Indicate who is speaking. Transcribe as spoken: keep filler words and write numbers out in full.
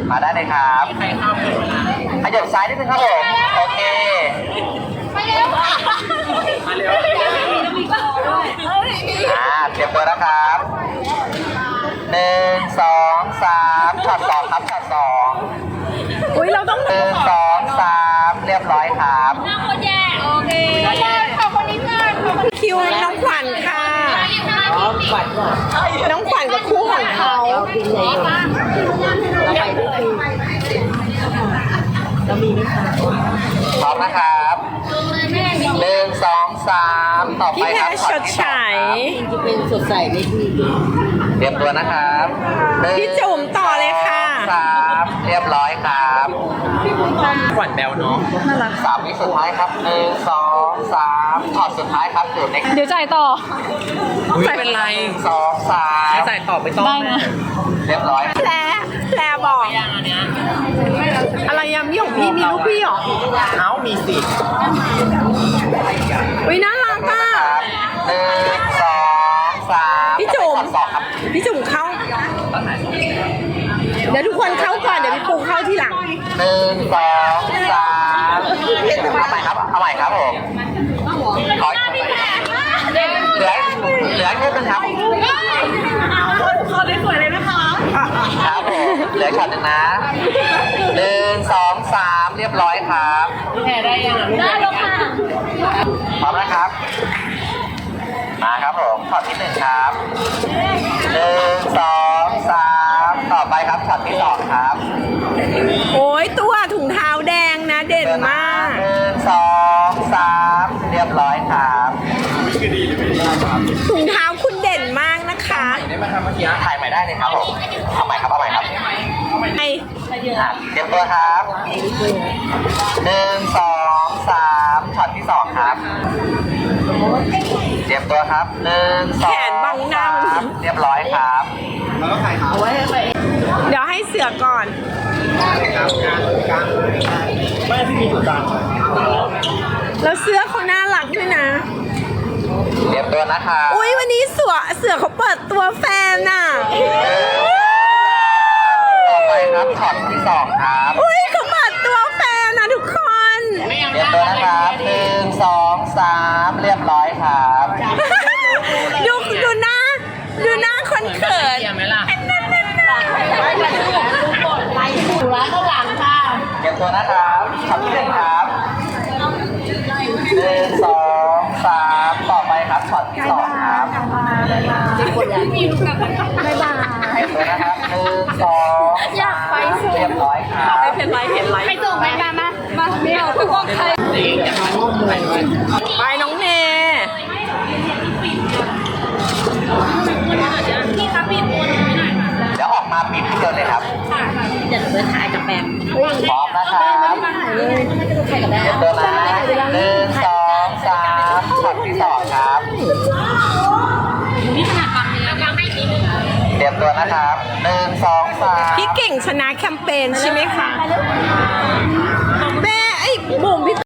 Speaker 1: มาได้เลยครับขยับซ้ายนิดนึงครับผมโอเคมาเร็วมาเร็วอ่าเตรียมตัวนะครับหนึ่งสองสามช็อตสองครับช็อตสอง
Speaker 2: อุ้ยเราต้อง
Speaker 1: หนึ่งสองสามเรียบร้อยครับ
Speaker 3: หน้าคนแย่โอเคขอบคนนี้เพื่อนขอบคน
Speaker 2: คิวน้องขวัญค่ะน้องขวัญกับคู่ของเขา
Speaker 1: พร้อมนะครับหนึ่งสองสามต่อไป
Speaker 2: พี่แพ
Speaker 1: ครับ
Speaker 2: รชดใช้
Speaker 4: จะเป็นสดใสในที่
Speaker 1: เตรียมตัวนะครับหนึ่ง
Speaker 2: พี่จุ๋มต่อเลยค่ะ
Speaker 1: สามเรียบร้อยครับขวัญแบวเนาะสามวิสุดท้ายครับหนึ่งสองสามช็อตสุดท้ายครับอยู่ใน
Speaker 3: เดี๋ยวจ่ายต่อ
Speaker 1: ไม่เป็นไรสองสามจ่ายต่อไม่ต้อง
Speaker 3: ได้นะ
Speaker 1: เรียบร้อย
Speaker 2: แพรแพรบอกอะไรยำยี่ของพี่มีลูกพี่หรอ
Speaker 1: เอ้ามีสิ
Speaker 2: อุ้ยน่ารักอ่ะ
Speaker 1: หนึ่งสองสาม
Speaker 2: พี่จุ๋ม
Speaker 1: ช็อตสองครับ
Speaker 2: พี่จุ๋มเข้า เดี๋ยวทุกคนเข้าก่อนเดี๋ยวพี่ปูเข้าทีหลัง
Speaker 1: หนึ่งสองสามเอาใหม่ครับเอาใหม่ครับผมขอเหลือเหลือแค่นึงครับ
Speaker 3: ขอได้สวยเลยนะคะ
Speaker 1: ครับผมเหลือช็อตหนึ่งนะหนึ่งสองสามเรียบร้อยครับ
Speaker 3: แพ้ได้ยังได้แล้วค่ะ
Speaker 1: พร้อมนะครับมาครับผมช็อตที่หนึ่งครับหนึ่งสองสามต่อไปครับช็อตที่สองครับ
Speaker 2: โอ้ยตัวถุงเท้าแดงนะเด่นมาก
Speaker 1: หนึ่งสองสามเรียบร้อยครับ
Speaker 2: ถุงเท้าคุณเด่นมากนะคะ
Speaker 1: ได้ไหมครับเมื่อกี้ถ่ายใหม่ได้เลยครับผมเอาใหม่ครับเอาใหม่ครับ
Speaker 2: ไอ
Speaker 1: อ่ะเตรียมตัวครับหนึ่งสองสามช็อตที่สองครับเตรียมตัวครับหนึ่งสองสามเรียบร้อยครับแล้วก็ถ่ายครับเอาไว้ให้ไป
Speaker 2: เดี๋ยวให้เสือก่อน
Speaker 1: ไม่ที่มีจุดกลาง
Speaker 2: แล้วเสื้อเขาน่ารักด้วยนะ
Speaker 1: เตรียมตัวนะครับ
Speaker 2: อุ้ยวันนี้เสือเสือเขาเปิดตัวแฟนน่ะ
Speaker 1: ต่อไปครับช็อตที่สองครับ
Speaker 2: อุ้ยเขาเปิดตัวแฟนนะทุกคน
Speaker 1: เตรียมตัวนะครับหนึ่งสองสามเรียบร้อยครับ
Speaker 2: ดูดูหน้าดูหน้าคนเขิน
Speaker 3: ถูร้านข้างหลังค่ะ
Speaker 1: เตรียมตัวนะครับช็อตที่หนึ่งครับหนึ่งสองสามต่อไปครับช็อตที่สองครับ
Speaker 3: มีลูกกับบ๊ายบาย
Speaker 1: เตรียมตัวนะครับหนึ่งสองสามเรียบร้อยครับ
Speaker 2: ไม่เป็นไรเห็นไร
Speaker 3: ไปส่งไปมามามาเดี๋ยวทุกคนใคร
Speaker 2: ไปน้องเน
Speaker 3: พี่คะปิดตัวหนูหน่อยค่ะ
Speaker 1: เดี๋ยวออกมาปิดที่เดินเลยครับ
Speaker 3: เดี๋ยวหนูไปถ่ายกับแบม
Speaker 1: พร้อมนะครับเตรียมตัวนะหนึ่งสองสามช็อตที่สองครับ
Speaker 3: นี่ขนาดฟังเลยแล้วก็ให้นิดนึง
Speaker 1: เตรียมตัวนะครับหนึ่งสองสาม
Speaker 2: พี่เก่งชนะแคมเปญใช่ไหมคะแม่ไอ้บุ๋มพี่